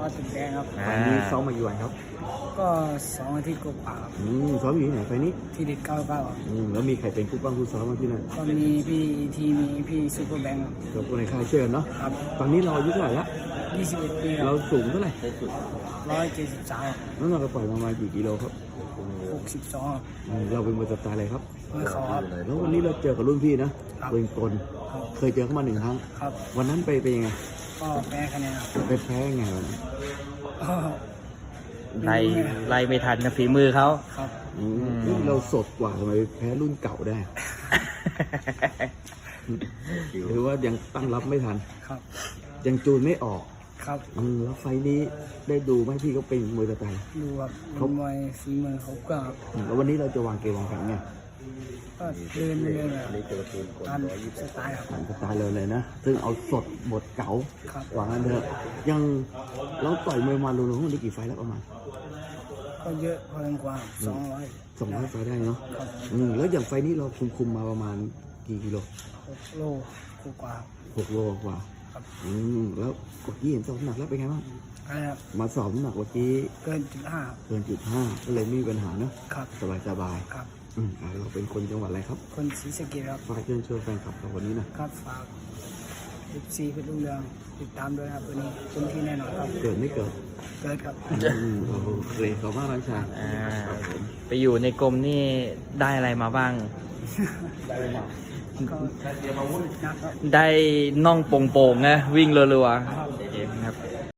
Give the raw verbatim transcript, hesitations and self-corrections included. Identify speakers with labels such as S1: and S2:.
S1: ตึกแดงครับ
S2: วันนี้ซ้อมมากี่วันครับ
S1: ก็สองอาทิตย์กว่าครับ
S2: อืมซ้อมอยู่ที่ไหนไฟนี้
S1: ที่เด็ดเก้าเก้าครับ
S2: อืมแล้วมีใครเป็นคู่บ้างคู่ซ้อมมาที่นั่น
S1: ก็มีพี่ทีมีพี่ซูเปอร์แบงค์
S2: กับคนในค่ายเชื่อเนาะ
S1: ครับ
S2: ตอนนี้เราอายุเท่าไหร่ละ
S1: ยี่สิบเอ็ดปีค
S2: เรา
S1: รับ
S2: สูงเท่าไหร่
S1: ร้อยเจ็ดสิบสาม
S2: น้ำหนักเราปล่อยประมาณกี่กิโลครับ
S1: หกสิบสอง
S2: อืมเราเป็นมวยสไตล์อะไรครับ
S1: มือเขาครับ
S2: แล้ววันนี้เราเจอกับรุ่นพี่นะครับ เป็นกล
S1: ครับ
S2: เคยเจอเขามาหนึ่งครั้ง
S1: ครับ
S2: วันนั้นไปเป็นยังไง
S1: ก็แพ้คะแนนครับ
S2: ไปแพ้ยังไงวันนั้น
S1: ก็
S3: ไล่ไล่ไม่ทันนะฝีมือเขา
S1: ครับ
S2: อืมนี่เราสดกว่าทำไมแพ้รุ่นเก่าได้ หรือว่ายังตั้งรับไม่ทัน
S1: ครับ
S2: ยังจูนไม่ออก
S1: ครับ
S2: อืมแล้วไฟล์นี้ได้ดูไหมพี่เขาเป็นมวยสไตล์
S1: ดูครับ
S2: ครั
S1: เป็
S2: บ
S1: นมวยฝีมือเขาก็ครับ
S2: อืมแล้ววันนี้เราจะวางเกมวางแผนไง
S1: ก็เดินเรื่อยๆครับตามสไตล์ครับ
S2: ตามสไตล์เลยเลยนะ ซึ่งเอาสดบทเก๋า
S1: ครับ
S2: วางกันเถอะยังเราต่อยมวยมารวมๆทั้งหมดได้กี่ไฟล์แล้วประมาณ
S1: ก็เยอะพอสมควรสองร้อย
S2: สองร้อยไฟล์ได้เนาะ
S1: ครับ
S2: อืมแล้วอย่างไฟล์นี้เราคุมคุมๆมาประมาณกี่กิโล
S1: หกโลกว่า
S2: หกโลกว่า
S1: ครับ
S2: อืมแล้วกดยี่เห็นสอบน้ำหนักแล้วเป็นไงบ้าง
S1: อะไรครับ
S2: มาสอบน้ำหนักเมื่อกี้
S1: เกินจุดห้า
S2: เกินจุดห้าก็เลยไม่มีปัญหาเนาะ
S1: ครับ
S2: สบายสบาย
S1: ครับ
S2: ๆอืมอ่ะเราเป็นคนจังหวัดอะไรครับ
S1: คนศรีสะเกษครับ
S2: ฝากเชิญชวนแฟนคลับเราวันนี้หนะครับ
S1: ฝากสิบสี่เพชรรุ่งเรืองติดตามด้วยครับวันนี้เต็มที่แน่นอนครับ
S2: เกิดไม่เกิด
S1: เกิดครับ
S2: อืมโอเคขอบคุณมากน้องชาย
S3: อ่าไปอยู่ในกรมนี่ได้อะไรมาบ้าง
S1: ก็นะครับ
S3: ได้น่องโป่งๆนะวิ่งรัว
S1: ครับ